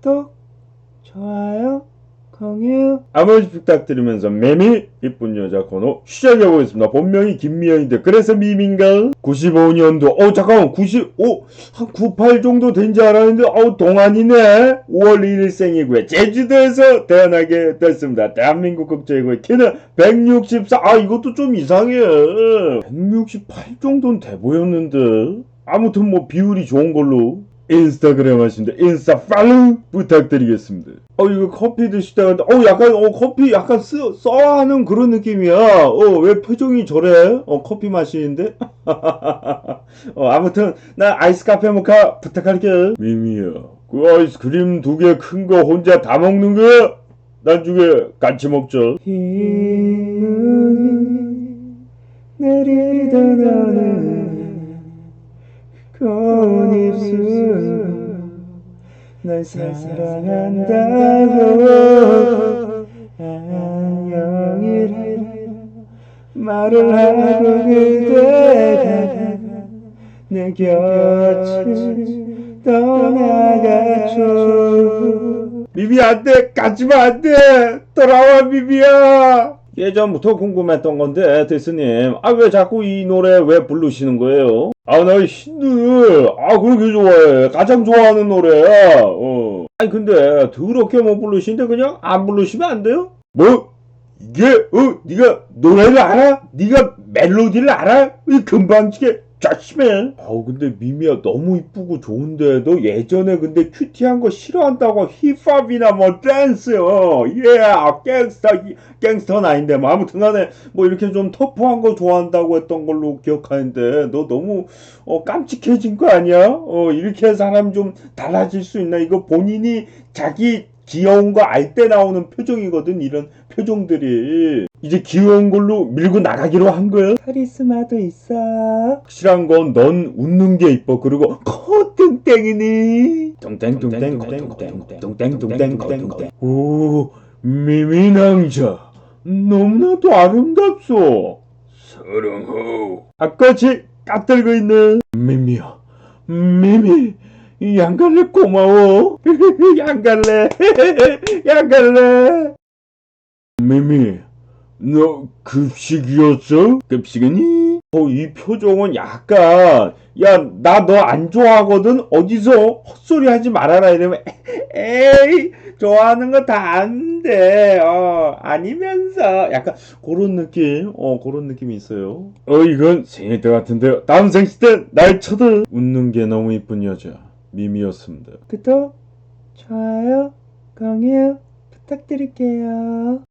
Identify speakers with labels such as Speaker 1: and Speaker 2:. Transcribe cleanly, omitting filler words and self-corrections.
Speaker 1: 구독, 좋아요, 공유 한 번씩 부탁드리면서 매미 이쁜 여자 코너 시작해보겠습니다. 본명이 김미연인데 그래서 밈인가? 95년도 잠깐만 95 한 98 정도 된지 알았는데 동안이네. 5월 1일 생이고요. 제주도에서 태어나게 됐습니다. 대한민국 국적이고요. 키는 164 이것도 좀 이상해. 168 정도는 돼 보였는데 아무튼 뭐 비율이 좋은 걸로 인스타그램 하신데 인스타 팔로우 부탁드리겠습니다. 이거 커피 드시다가 약간 커피 약간 써하는 그런 느낌이야. 왜 표정이 저래? 커피 마시는데? 아무튼 나 아이스 카페 모카 부탁할게. 미미야, 그 아이스크림 2개 큰 거 혼자 다 먹는 거야? 나중에 같이 먹자. 흰 눈이 내리던 어느 고운 입술 널 사랑한다고 안녕이라 말을 하고 그대가 내 곁을 떠나가죠. 미미야 안돼, 가지마 안돼, 돌아와 미미야. 예전부터 궁금했던 건데 데스님 왜 자꾸 이 노래 왜 부르시는 거예요? 나 신들 그렇게 좋아해. 가장 좋아하는 노래야. 근데 더럽게 못 부르시는데 그냥 안 부르시면 안 돼요? 뭐? 이게 네가 노래를 알아? 네가 멜로디를 알아? 금방지게 자심해. 근데 미미야 너무 이쁘고 좋은데 너 예전에 근데 큐티한 거 싫어한다고 힙합이나 뭐 댄스요. 갱스터는 아닌데 뭐 아무튼 간에 뭐 이렇게 좀 터프한 거 좋아한다고 했던 걸로 기억하는데 너 너무 깜찍해진 거 아니야? 이렇게 사람 좀 달라질 수 있나? 이거 본인이 자기 귀여운 거 알 때 나오는 표정이거든. 이런 표정들이 이제 귀여운 걸로 밀고 나가기로 한 거야. 카리스마도 있어. 확실한 건 넌 웃는 게 이뻐. 그리고 콧등땡이니 뚱땡뚱땡뚱땡뚱땡뚱땡뚱땡. 오, 미미남자 너무나도 아름답소. 사랑호. 아까지 까들고 있는 미미야. 미미 양갈래 고마워. 양갈래. 양갈래. 미미 너 급식이었어? 급식이니? 이 표정은 약간 나 너 안 좋아하거든? 어디서 헛소리 하지 말아라 이러면 에이 좋아하는 거 다 아는데 아니면서 약간 그런 느낌 그런 느낌이 있어요. 이건 생일 때 같은데요. 다음 생일 때 날 쳐들. 웃는 게 너무 이쁜 여자 미미였습니다. 구독, 좋아요, 공유 부탁드릴게요.